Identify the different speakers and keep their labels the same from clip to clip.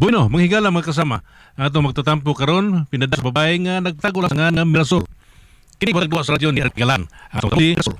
Speaker 1: Bueno, manghigala mga kasama. Ato magtatampo karon pinada sa babae nga nagtago lang nga Mirasol. Kini ba sa radyo ni Argalan. Ato Mirasol.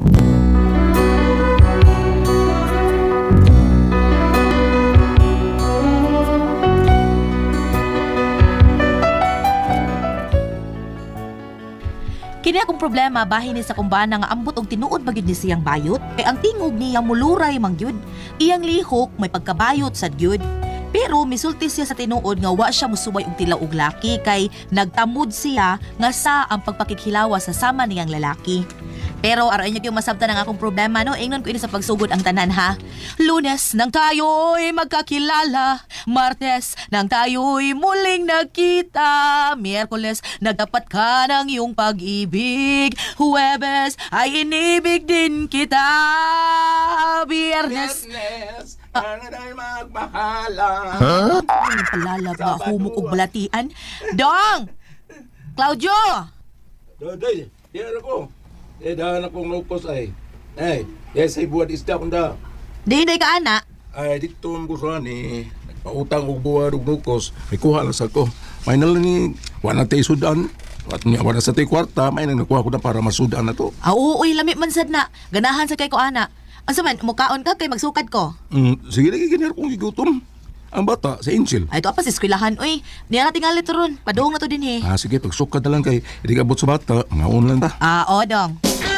Speaker 2: Kini akong problema bahin ni sa kumbana nga ambot og tinuod magyud ni siyang bayot kay ang tingog niya muluray mangyud. Iyang lihok may pagkabayot sad gyud. Pero misulti siya sa tinuod nga wa siya musubay og tilaw og laki kay nagtamod siya nga sa ang pagpakikhilawa sa sama niyang lalaki. Pero aron niyo yung masabtan ang akong problema no, ingnon ko ini sa pagsugod ang tanan ha. Lunes nang tayo'y magkakilala, Martes nang tayo'y muling nagkita, Miyerkules nagdapat ka ng iyong pag-ibig, Huwebes ay inibig din kita, Biyernes
Speaker 3: ano na magbahala.
Speaker 2: Ano palalab na humok og balatian? Dong! Claudio!
Speaker 3: Daday, diyan ako. Dahan akong lukos ay. Ay, yes ay buwan isda kong da.
Speaker 2: Di ka ana?
Speaker 3: Ay, dito ang gusto ni. Nagpautang og buwan og lukos. May kuha lang sa ko. May nalang ni, wala tayo sudan. At niya, wala sa tayo kwarta, may nang nakuha ko na para masudan na to.
Speaker 2: Uy, lamit man sad na. Ganahan sa kay ko ana. Asa man, mukaon ka kay magsukad ko.
Speaker 3: Sige lagi ganyan akong igutom. Ang bata, sa Angel.
Speaker 2: Ay, ito pa sa eskwelahan, uy. Niya na tingali to ron. Padung na to din eh.
Speaker 3: Sige, pagsukad na lang kay, hindi ka abot sa bata, mga lang ta.
Speaker 2: Oo, dong.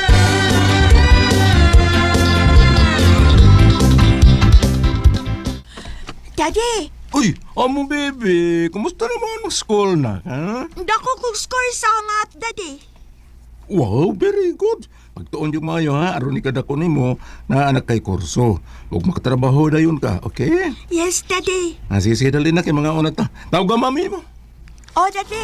Speaker 4: Daddy,
Speaker 3: Uy, amo bebe, kumusta naman ang school na, ha?
Speaker 4: dako kong score sa angat, Daddy.
Speaker 3: Wow, very good. Pagtuon yung mayo ha, aron ni kadako nimo na anak kay kurso. Huwag makatrabaho na yun ka, okay?
Speaker 4: Yes, Daddy.
Speaker 3: Sige, dali na kay mga unat ta. Tawag ka mami mo.
Speaker 4: Oh, Daddy.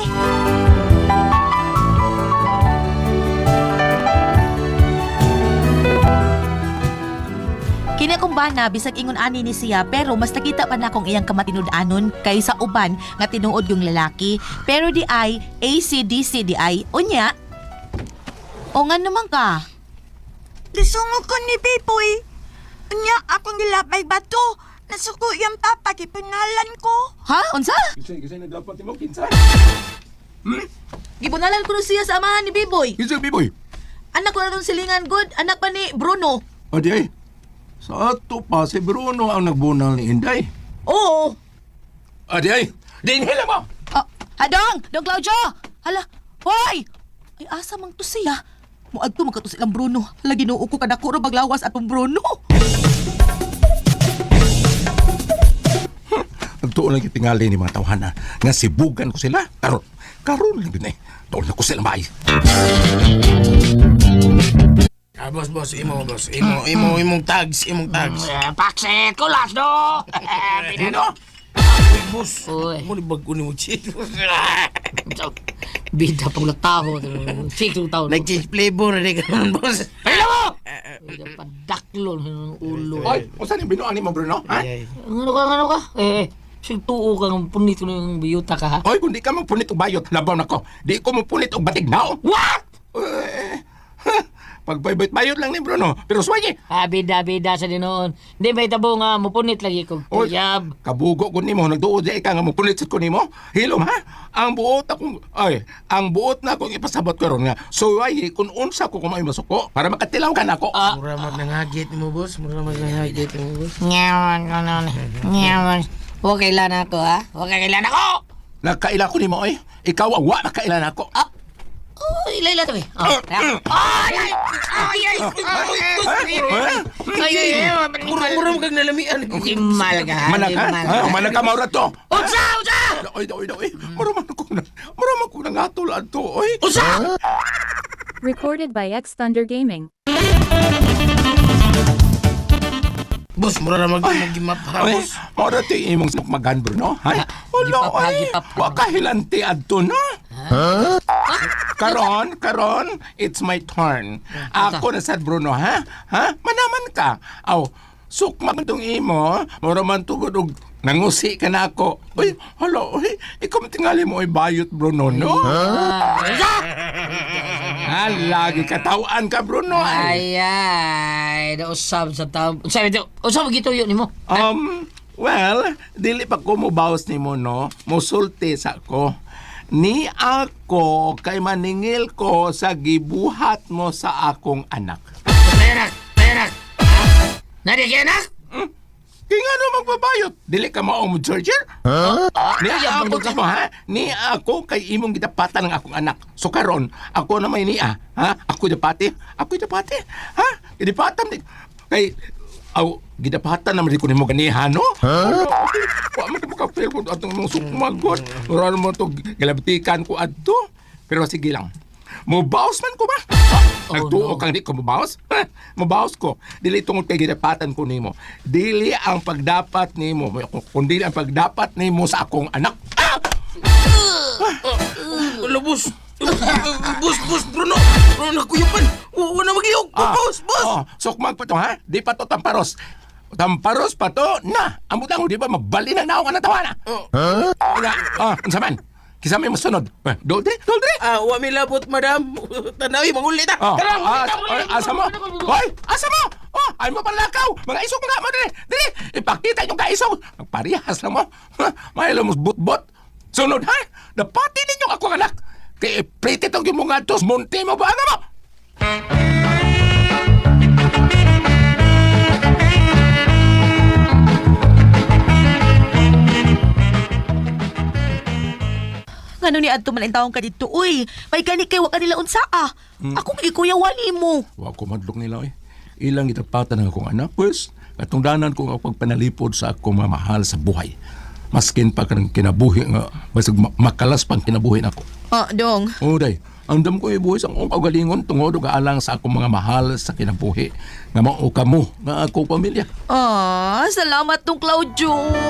Speaker 2: Kini akong bana, bisag ingon ani ni siya, pero mas nakita pa na akong iyang kamatinud-anon kaysa uban nga tinuod yung lalaki. Pero di ay, ACDC di ay, unya. O nga naman ka.
Speaker 4: Lisungog ko ni Biboy. Anya, akong gilabay ba to? Nasuko yung papa, kipinalan ko.
Speaker 2: Ha? Unsa?
Speaker 3: Kisay nagdapat mo, kinsa?
Speaker 2: Gibunalan ko na siya sa amahan ni Biboy.
Speaker 3: Kinsa, biboy?
Speaker 2: Anak ko na itong silingan, good. Anak pa ni Bruno.
Speaker 3: Adi ay, sa ato pa si Bruno ang nagbunal ni Inday.
Speaker 2: Oo.
Speaker 3: Adi ay, dinhila mo!
Speaker 2: Hadong! Dong Claudio! Hala, hoy! Ay, asa mang to siya? Muadto magkato silang Bruno. Hala, ginoo ko kadako ra baglawas atong Bruno.
Speaker 3: Nagtuon lang itingali ni mga tawhana nga sibugan ko sila. Karon lang din eh. Tuon na ko sila maay.
Speaker 5: Boss, imong tags.
Speaker 6: Pakset ko last do.
Speaker 5: Ano? Boss, mo ni bago ni mo cheat.
Speaker 6: Bida pang lataho. Check 2,000.
Speaker 5: Nag-change flavor na ka naman, boss.
Speaker 6: Hello mo! Bida pa daklon ng ulo.
Speaker 3: Oy, kung saan yung binuan ni mo, Bruno? Ha?
Speaker 6: Ano ka? Sige tuo ka ng punit ko ng biyuta ka ha?
Speaker 3: Oy, kung di ka magpunit og bayot, labaw na ko. Di ko magpunit og batig nao.
Speaker 6: What?
Speaker 3: Pagbayot-bayot lang ni Bruno. Pero swagi.
Speaker 6: Bida sa dinoon. Hindi ba itabo nga mupunit lagi kong
Speaker 3: Oy,
Speaker 6: tuyab.
Speaker 3: kabugo ko nimo, nagduod di ka nga magpunit sa ko nimo. Hilom ha? Ang buot na akong ipasabot karon nga. So ay kung unsa ko kumay masuko para makatilaw ka na ako.
Speaker 5: Mura magnangagit mo, boss.
Speaker 6: Nyawan. Huwag kailan ako ha? Huwag kailan ako!
Speaker 3: Nagkaila ko nimo oy. Ikaw ang wa makailan ako.
Speaker 6: Ilayla to eh.
Speaker 5: Mura mo kag nalamian.
Speaker 6: Gimal ka ha?
Speaker 3: Manak ha? Manak ka maura to.
Speaker 6: Unsa!
Speaker 3: Oy. Mura man ko nang atol adto oy.
Speaker 6: Unsa!
Speaker 7: Recorded by X Thunder Gaming.
Speaker 5: Boss, mura na mag-gimap ha,
Speaker 3: Oy,
Speaker 5: boss.
Speaker 3: maura to yung imong magan Bruno. Ha? Wala oy. Wa ka hilanti adto no. Karon, it's my turn. Ako na sad Bruno, ha? Ha? Manaman ka. Aw, sukma itong imo, mura man tugod og nangusi ka na ako. Uy, hala, uy, ikaw tingali mo ay bayot Bruno, no? Lagi katawaan ka Bruno.
Speaker 6: Ay, nausab sa tao. Sabi ito, usab gito yun ni mo.
Speaker 3: Well, dili pa ko mubawas ni mo, no? Musulti sa ko. Ni ako kay maningil ko sa gibuhat mo sa akong anak.
Speaker 5: Perak! Nariyanak?
Speaker 3: Kaya nga no magbabayot. Dili ka maong mo, Georgia? Ni ako ka mo, ha? Ni ako kay imong gidapatan ng akong anak. So karon, ako na may niya. Ha? Ako dapati. Ha? Gidapatan di. Kay, gidapatan naman di ko ni mo ganihan, no? Wa man ko ka-feel ko atong mong sukmagot. Mura mo to galabtikan ko adto. Pero sige lang. Mubaos man ko ba? Nagtuo kang di ko mubaos? Mubaos ko. Dili tungod kay gidapatan ko nimo. Dili ang pagdapat nimo. Kundi ang pagdapat nimo sa akong anak.
Speaker 5: Labos! Bus, Bruno! Nakuyupan! Huwag na mag-iyog! Bus!
Speaker 3: Sukmag pa to, ha? Di pa to tamparos. Tamparos pa to na. Ang butang, di ba magbali na naong ang natawa na? Unsa man? Kisa may masunod. Doldre?
Speaker 5: Wa mi labot, madam. Tanawi, mangulit ah!
Speaker 3: Asa mo? Hoy! Asa mo? Ay mo panlakaw! Mga isog mga mo dire! Dire! Ipakita yung kaisog! Magparihas lang mo! May lumos bot-bot! Sunod ha! Dapati ninyo ako anak! Kaya pretty tong yung mga tos! Munti mo ba ano mo?
Speaker 2: Ngano ni adto man ang taong ka dito, uy. May gani kay wa ka nila unsa ah. Ako kay kuya wali mo.
Speaker 3: Wa ko madlok nila Ilang itapatan ng akong anak, pues. Katong danan ko ang pagpanalipod sa akong mamahal sa buhay. Maskin pa ka ng kinabuhi nga, basag makalas pang kinabuhi na ako.
Speaker 2: Dong.
Speaker 3: Day, ang dam ko ibuhi sa akong kaugalingon tungod og alang sa akong mga mahal sa kinabuhi. Nga mao kamo, nga akong pamilya.
Speaker 2: Salamat tong Claudio.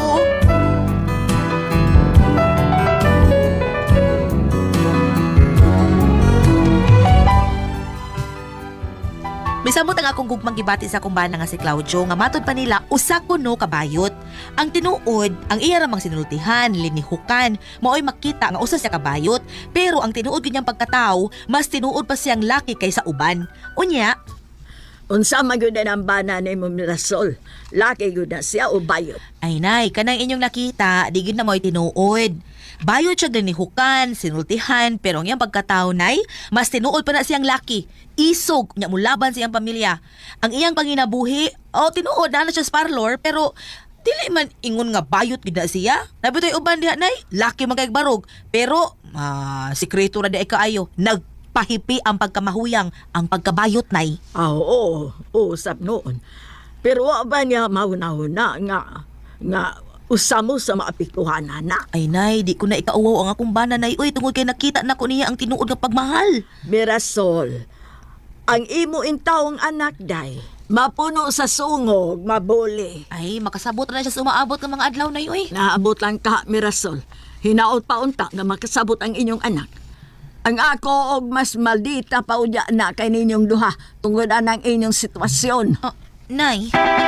Speaker 2: Misamot ang akong gugmang gibati sa akong bana nga si Claudio nga matod pa nila usa kuno kabayot. Ang tinuod, ang iya ramang sinultihan, linihukan, maoy makita nga usa siya kabayot, pero ang tinuod ganyang pagkatao, mas tinuod pa siyang laki kaysa uban. Unya,
Speaker 4: Unsa magyud ang bana ni mo Mirasol? Laki gyud na siya o bayot?
Speaker 2: ay nay, kanang inyong nakita, di gid na mo'y tinuod. Bayot siya linihukan, sinultihan, pero ang iyang pagkatao nay, mas tinuod pa na siyang laki. Isog, nya mulaban siyang pamilya. Ang iyang panginabuhi, tinuod na siya sa parlor, pero dili man ingon nga bayot gid na siya. Nabitoy uban diha nay, laki man kay barog. Pero sikreto ra di ay kaayo, nagpahipi ang pagkamahuyang, ang pagkabayot nay.
Speaker 4: Oo, usap noon. Pero wa ba niya mauna-una nga usamo sa maapikuhan na?
Speaker 2: Ay nay, di ko na ikauwaw ang akong bana nay. Uy, tungod kay nakita na ko niya ang tinuod nga pagmahal.
Speaker 4: Mirasol, ang imo intawong anak day, mapuno sa sungog, mabuli.
Speaker 2: Ay, makasabot na siya sa umaabot ng mga adlaw nay, uy.
Speaker 4: Naabot lang ka, Mirasol. Hinaot pa unta nga makasabot ang inyong anak. Ang ako og mas maldita pa udya na kay ninyong duha tungod anang inyong sitwasyon.
Speaker 2: Nay.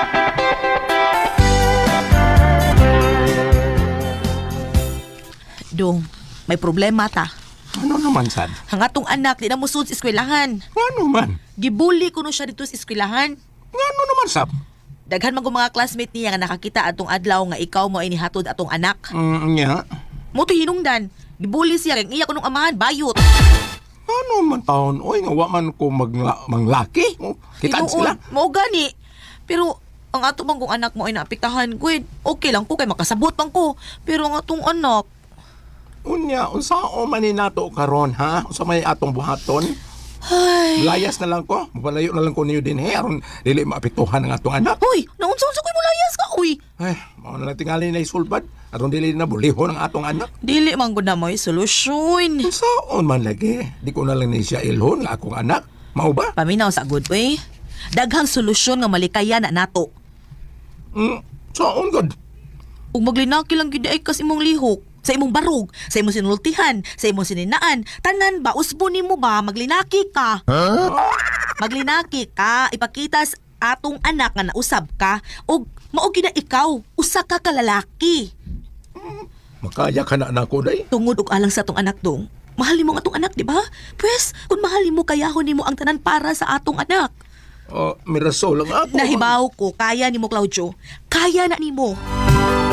Speaker 2: Dong, may problema ta.
Speaker 3: Ano naman, sad?
Speaker 2: Ang atong anak di na musud sa eskwelahan.
Speaker 3: Ano man?
Speaker 2: Gibuli ko no siya dito sa eskwelahan.
Speaker 3: Ano naman, sab?
Speaker 2: Daghan man ko mga classmate niya nga nakakita atong adlaw nga ikaw mo inihatod atong anak.
Speaker 3: Nya.
Speaker 2: Mo to hinungdan. Gibuli siya kay iya ko nung amahan bayot.
Speaker 3: Ano man taon? Oy, nga wa man ko manglaki. Kitaan sila.
Speaker 2: Mo gani. Pero ang ato bang kung anak mo ay naapektahan ko, okay lang ko kay makasabot pang ko. Pero ang atong anak,
Speaker 3: Unya, unsao man ni nato karon ha? Unsa may atong buhaton?
Speaker 2: ay.
Speaker 3: Layas na lang ko. Mapalayo na lang ko niyo din aron dili maapektuhan ang atong anak.
Speaker 2: Uy, naunsa-unsa ko'y mulayas ka, uy.
Speaker 3: Ay, mao na lang tingali na isulbad aron dili na bulihon ang atong anak.
Speaker 2: Dili man gud na mo'y solusyon.
Speaker 3: Unsaon man lagi? Di ko na lang ni siya ilhon nga akong anak. Mao ba?
Speaker 2: Paminaw sa good way. Daghang solusyon nga malikaya na nato.
Speaker 3: Saon god?
Speaker 2: Ug maglinaki lang gid ay kas imong lihok. Sa imong barog, sa imong sinultihan, sa imong sininaan, tanan ba, usbo nimo ba, maglinaki ka. Maglinaki ka, ipakita sa atong anak nga nausab ka, o maogi na ikaw, usa ka kalalaki.
Speaker 3: Makaya ka na nako day.
Speaker 2: Tungod og alang sa atong anak dong, mahalin mo ang atong anak, di ba? Pwes, kung mahalin mo, kayahon nimo ang tanan para sa atong anak.
Speaker 3: Mirasol lang ako.
Speaker 2: Nahibaw ko, kaya nimo, Claudio. Kaya na nimo.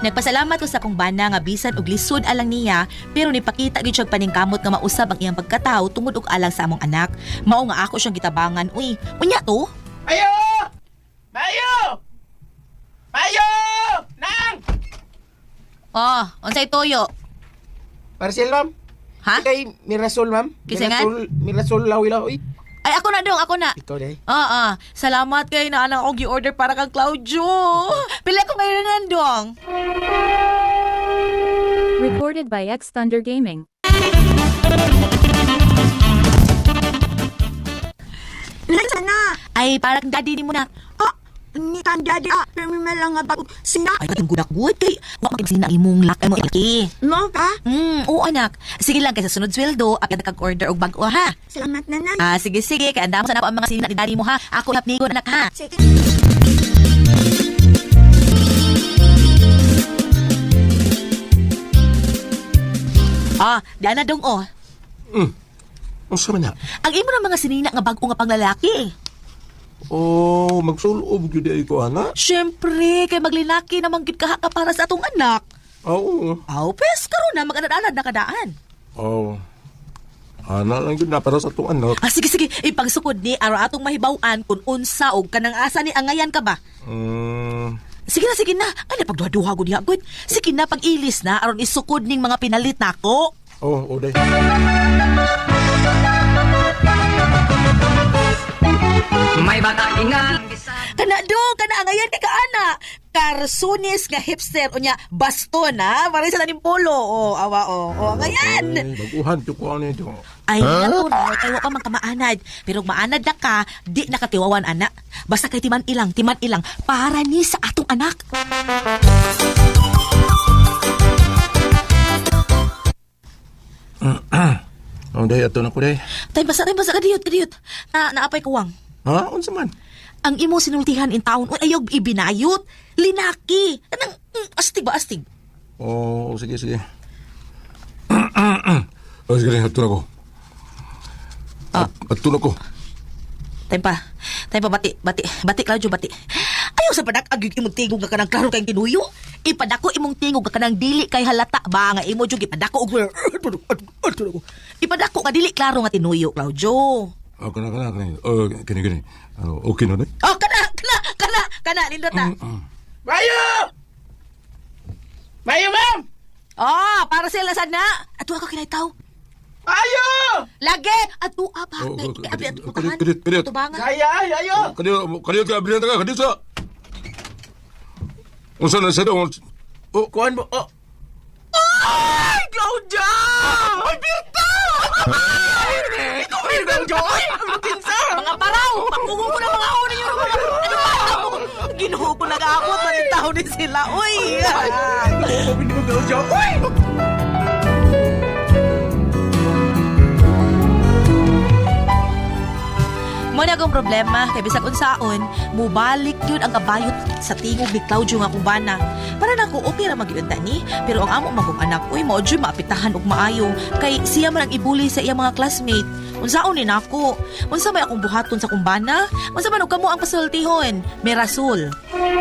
Speaker 2: Nagpasalamat ko sa akong bana nga bisan og lisod alang niya, pero nipakita gid siya og paningkamot nga mausab ang iyang pagkatao tungod og alang sa among anak. Mao nga ako siyang gitabangan. Uy, unya to?
Speaker 3: Mayo! Mayo! Mayo! Nang!
Speaker 2: Oh, unsay toyo?
Speaker 5: Marcel, ma'am.
Speaker 2: Ha?
Speaker 5: Kay Mirasol, ma'am.
Speaker 2: Kisingan?
Speaker 5: Mirasol lawi-lawi.
Speaker 2: Ay, ako na dong, ako na.
Speaker 5: Ikaw, day.
Speaker 2: Salamat kay na anang og order para kang Claudio. Pila ko ngayon nandong.
Speaker 7: Recorded by X Thunder Gaming.
Speaker 4: Lisa na!
Speaker 2: Ay, parang daddy ni mo na.
Speaker 4: Ni kan daddy, kami lang nga bago sina.
Speaker 2: Ay, batang gudak-gud kay wa magsin ang imong lakay mo ilaki.
Speaker 4: No ka?
Speaker 2: Oo anak. Sige lang kay sa sunod sweldo, apyan kag order og bag-o ha.
Speaker 4: Salamat na na.
Speaker 2: Sige kay andam sa nako ang mga sina ni daddy mo ha. Ako lapnigon anak ha.
Speaker 4: Sige.
Speaker 2: Diyan na dong oh.
Speaker 3: Unsa man na?
Speaker 2: Ang imo ng mga sinina nga bag-o nga panglalaki.
Speaker 3: Oh, magsulob gyud ay ko ana.
Speaker 2: Syempre, kay maglinaki namang gid ka para sa atong anak.
Speaker 3: Oo.
Speaker 2: Pes karon na mag-anad-anad na kadaan.
Speaker 3: Oh. Ana lang gyud na para sa tong anak.
Speaker 2: Sige, ipagsukod ni araw atong mahibaw-an kung unsa og kanang asa ni angayan ka ba. Sige na. Ano pagduha-duha gud diha gud. Sige na pag-ilis na aron isukod ning mga pinalit nako.
Speaker 3: Oh, day.
Speaker 6: May bata ingan.
Speaker 2: Kana angayan kay kaana. Karsunis nga hipster unya baston ha. Para sa tanim polo. Angayan.
Speaker 3: Ay, baguhan to ko ano ito.
Speaker 2: Ay, nato na, kay wa pa magkamaanad. Pero maanad na ka, di nakatiwawan, anak. Basta kay timan ilang, para ni sa atong anak.
Speaker 3: Day, ato na ko day.
Speaker 2: Tay basa ka diyot. Naapay kuwang.
Speaker 3: Ha? Unsa man?
Speaker 2: Ang imo sinultihan in taon, ayaw ibinayot. Linaki. Anang, astig.
Speaker 3: Oh, sige. Oh, sige, ato na ko. Ato na ko.
Speaker 2: Tay pa, bati, Claudio, bati. Ayaw sa padak, agig imong tingog ka kanang klaro kayong tinuyo. Ipadako imong tingog ka kanang dili kay halata ba nga imo jud ipadako og ipadako ka dili klaro nga tinuyo, Claudio.
Speaker 3: Kana. Kini. Ano, okay na day?
Speaker 2: Kana, nindot na.
Speaker 3: Mayo! Mayo, ma'am!
Speaker 2: Para sila sad na. Ato ako kinaytaw.
Speaker 3: Mayo!
Speaker 2: Lagi! Ato pa.
Speaker 3: Kadiyot.
Speaker 2: Ayo!
Speaker 3: Kadiyot ka, bilhan ka, kadiyot sa. Unsa na sa doon? Oh, kuhan mo. Oh.
Speaker 2: Ay, Claudia! Ay, Birta! Ikaw, Claudia! Ay, mga paraw! Pakungo ko na mga unin yung mga... Ano ba? Ginuho ko nag-aakot. Manitaw din sila. Uy! Mo na akong problema kay bisag unsaon mubalik yun ang kabayot sa tingog ni Claudio nga kubana. Para nako okay ra magyud ni, pero ang amo magong anak uy mao jud maapitahan og maayo kay siya man ang ibuli sa iyang mga classmate. Unsaon ni nako? Unsa may akong buhaton sa kumbana? Unsa man og kamo ang pasultihon? Mirasol.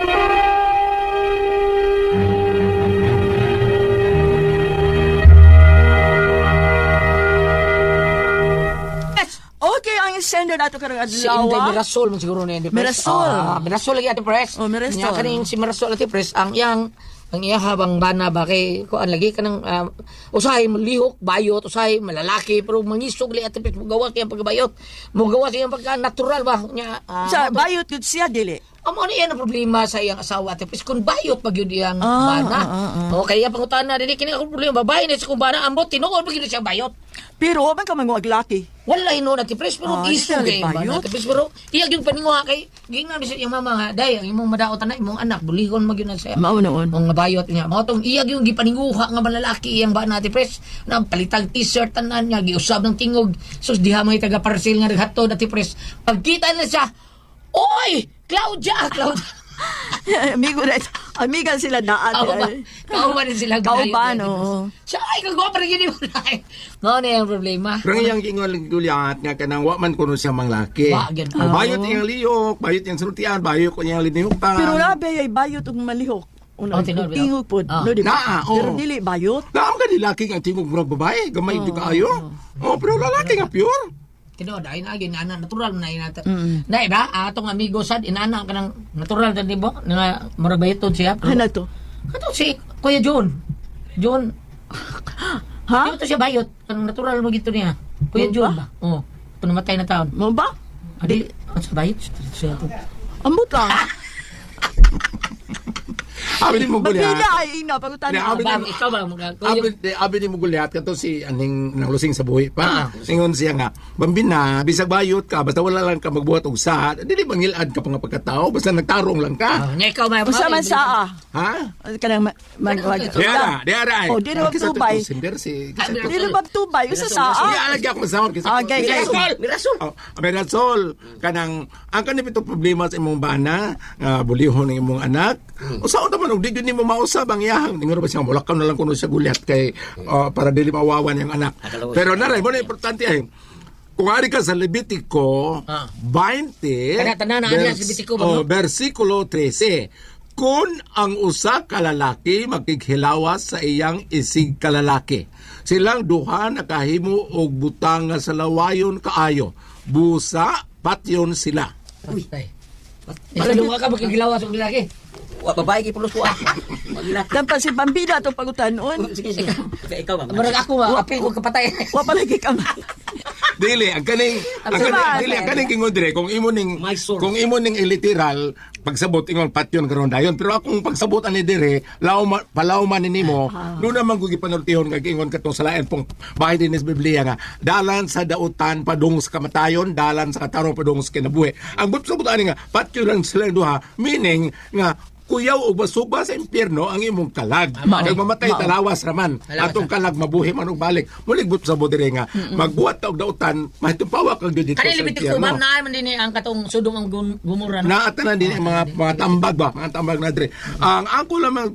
Speaker 4: Okay, ang sender nato karong
Speaker 6: Si Inday
Speaker 4: adlaw.
Speaker 6: Mirasol man siguro ni Ate Pres.
Speaker 4: Mirasol.
Speaker 6: Mirasol lagi Ate Pres.
Speaker 4: Mirasol.
Speaker 6: Nya kaning si Mirasol Ate Pres ang iya habang bana ba kay kuan lagi kanang usahay lihok bayot usahay malalaki pero mangisog li Ate Pres mugawa kay ang pagbayot. Mugawa kay ang pagka natural ba nya.
Speaker 4: Sa bayot yun siya, dili.
Speaker 6: Amo ni ang problema sa iyang asawa Ate Pres kung bayot pag yun iyang bana. O kaya pangutan na dili kini ako problema babae ni sa kung bana ambot tinuod pag yun siya bayot.
Speaker 4: Pero man ka manguag laki.
Speaker 6: Wala no Ate Pres pero
Speaker 4: Di
Speaker 6: iso
Speaker 4: siya
Speaker 6: kay
Speaker 4: bayot.
Speaker 6: Ate Pres pero iyag yung paninguha kay gingan sa iyang mama nga day ang imong madaot na imong anak buligon mag yun sa
Speaker 4: Mao noon.
Speaker 6: mga bayot niya. Mao tong iyag yung gipaninguha nga malalaki iyang ba na Ate Pres na palitag t-shirt tanan niya giusab ng tingog sus diha may taga parcel nga naghatod Ate Pres. Pagkita na siya, oy, Claudia.
Speaker 4: Amigo na ito. Amigan sila daan.
Speaker 6: Kauban din sila.
Speaker 4: Kauban, oo.
Speaker 6: Siya, ay, kagawa pa rin yun yung mulay. Mao na yung problema.
Speaker 3: Pero iyang ingol gulyat nga kanang wa man kuno siya manglaki.
Speaker 6: Wa, gid.
Speaker 3: Bayot iyang liyok, bayot iyang sultian, bayot ko iyang linihok pa.
Speaker 4: Pero labi ay bayot ug malihok. Una,
Speaker 6: tinuod,
Speaker 4: tingog po.
Speaker 6: Ah.
Speaker 4: No, di ba?
Speaker 3: Naa, oo.
Speaker 4: Pero dili bayot.
Speaker 3: Naam ka nilaki ang tingog murag babae, gamay di kaayo. Oh, pero lalaki nga pure.
Speaker 6: Tinuod, ay na gyud ana natural na inata. Dai ba? Atong amigo sad inana ka ng natural ta dibo nga murag bayton siya.
Speaker 4: Ano to?
Speaker 6: Kato si Kuya John. John,
Speaker 4: Ha?
Speaker 6: ito siya bayot. Kanang natural mo gito niya. Kuya John ba? Oo. Panamatay na taon.
Speaker 4: Mo ba?
Speaker 6: Adi, ang sa bayot siya.
Speaker 4: Ambot lang.
Speaker 3: Abi ni mo gulyat.
Speaker 4: Mabila ay ina pagutan.
Speaker 3: Na, abi
Speaker 6: Ba,
Speaker 3: ni
Speaker 6: ikaw ba mga Kuya?
Speaker 3: abi ni mo gulyat kanto si aning nanglusing sa buhi pa. Ingon siya nga, bambina, bisag bayot ka basta wala lang ka magbuhat og sa. Dili mangilad ka pa nga pagkatao basta nagtarong lang ka.
Speaker 6: Nya ikaw may
Speaker 4: Usa man sa
Speaker 3: Ha?
Speaker 4: kanang magwag.
Speaker 3: Diara.
Speaker 4: Oh, di na magtubay.
Speaker 3: Si
Speaker 4: Dili magtubay usa sa.
Speaker 3: Iya alagi ako masahod kasi.
Speaker 4: Okay, okay.
Speaker 6: Mirasol.
Speaker 3: Oh, Mirasol, kanang ang kanang ito problema sa imong bana, nga bulihon ng imong anak. Usaon naman og di gyud nimo mausab ang iyahang. Ningon ba siya mulakaw na lang kuno sa gulyat kay para dili mawawan yung anak. Pero naray mo na importante ay kung ari ka sa Levitico 20
Speaker 6: Tanan na niya sa Levitico ba, no?
Speaker 3: versikulo 13. Kung ang usa ka lalaki makighilawas sa iyang isig ka lalaki, silang duha nakahimo og butang nga sa lawayon kaayo. Busa patyon sila.
Speaker 6: Uy. Ikaw ka magkigilawas og lalaki.
Speaker 5: Wa babae gi pulos ko. Magila.
Speaker 4: Tampa si Bambida to pagutanon.
Speaker 5: Sige sige. Ikaw ba?
Speaker 6: Murag ako nga apil ko kapatay.
Speaker 4: Wa palagi ka.
Speaker 3: Dili ang kaning ang kaning kingon dire kung imo ning
Speaker 5: My source.
Speaker 3: kung imo ning iliteral pagsabot ingon patyon karon dayon pero akong pagsabot ani dire palawman ni nimo do naman ko gipanultihon nga ingon katong sa lain pong bahay din sa Biblia nga dalan sa dautan padung sa kamatayon dalan sa katarong padung sa kinabuhi ang pagsabot ani nga patyon lang sila duha meaning nga kuyaw o basuba sa impyerno ang imong kalag. Kag mamatay talawas raman. Atong kalag mabuhi man og balik. Muligbot sa bodire nga magbuhat ta og dautan mahitupawa kag dito sa
Speaker 6: Kanili bitik ko
Speaker 3: impyerno.
Speaker 6: ma'am na man din ang katong sudong ang gumura.
Speaker 3: Naatanan din ang mga tambag ba, mga tambag na dire. Ang ako lamang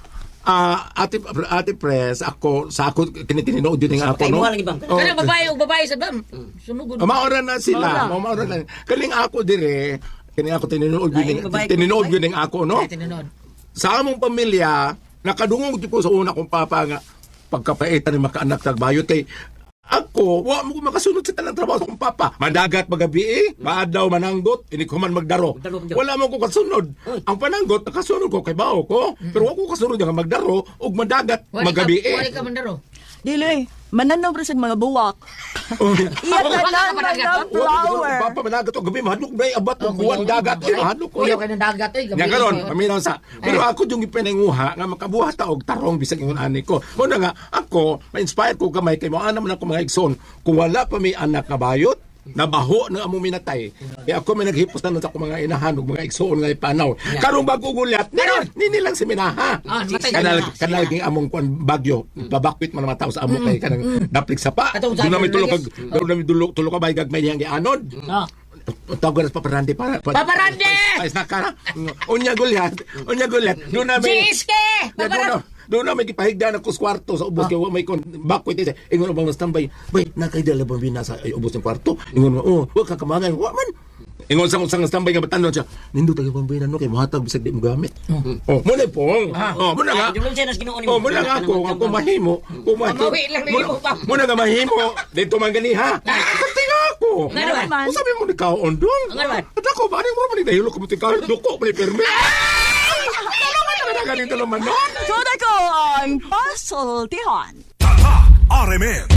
Speaker 3: ate Pres, ako tininood din nga ako, no?
Speaker 5: Kaimuha lagi bang?
Speaker 3: Oh,
Speaker 6: Kanang babae sa bam. Sumugod.
Speaker 3: maoran na sila, maoran na. Kaling ako dire, kini ako tininood yun ako, no?
Speaker 6: Tinuod.
Speaker 3: Sa among pamilya, nakadungog ko sa una kong papa nga pagkapaitan ni makaanak tagbayot kay ako, wa mo ko makasunod sa tanang trabaho sa akong papa. Madagat magabi maadaw mananggot, ini ko man magdaro. Wala mo ko kasunod. Ang pananggot nakasunod ko kay bao ko, pero wa ko kasunod nga magdaro ug madagat magabi.
Speaker 6: Wali ka mandaro.
Speaker 4: Dili, mananaw ra sa mga buwak. Iya tanan mga flower.
Speaker 3: Papa madagat og gabi mahadlok bay abat og buwan dagat. Mahadlok ko.
Speaker 6: Kuya ka ng dagat eh.
Speaker 3: Nga karon, paminaw sa. Pero ako yung ipinanguha nga makabuhat ta og tarong bisag ingon ani ko. Muna nga ako, ma-inspire ko gamay kay mo ana man ako mga igsoon. Kung wala pa may anak na bayot, nabaho na among minatay. Kaya ako may naghipos na sa akong mga inahan ug mga igsoon nga ipanaw. Karong bago gulyat, nini lang si minaha.
Speaker 6: matay
Speaker 3: Kanal ging among kwan bagyo. Babakwit man mga tao sa amo kay kanang daplik sa pa. Doon namin tulog ka bay gagmay niyang gianod. Tawag na paparandi para
Speaker 6: Paparandi!
Speaker 3: Ay nakara. Unya gulyat. Doon namin.
Speaker 6: Jiske!
Speaker 3: Doon namin gipahigda na kus kwarto sa ubos kay wa may kon bakwit ite. Ingon bang standby. Bay, nakaidala ba bina sa ubos ng kwarto? Ingon mo, wa ka kamangan. Wa man. Ingon sang standby nga batanon siya. Nindo tayo pambina no kay mohatag bisag di mo gamit. Oh, mo na pong. Oh, mo na nga.
Speaker 5: Yung siya nas ginuon
Speaker 3: Oh, mo na nga ako mahimo.
Speaker 6: Mawi lang nimo pa.
Speaker 3: Mo na nga mahimo. Dito man gani ha. Katinga ako.
Speaker 6: Nga naman.
Speaker 3: Kung sabi mo ni kao ondong.
Speaker 6: Nga naman.
Speaker 3: At ako ba rin mo naman dahil ko buti kao duko pa ni perme. Ano ganito naman no?
Speaker 4: Koda ko ang puzzle tihan.
Speaker 8: RMN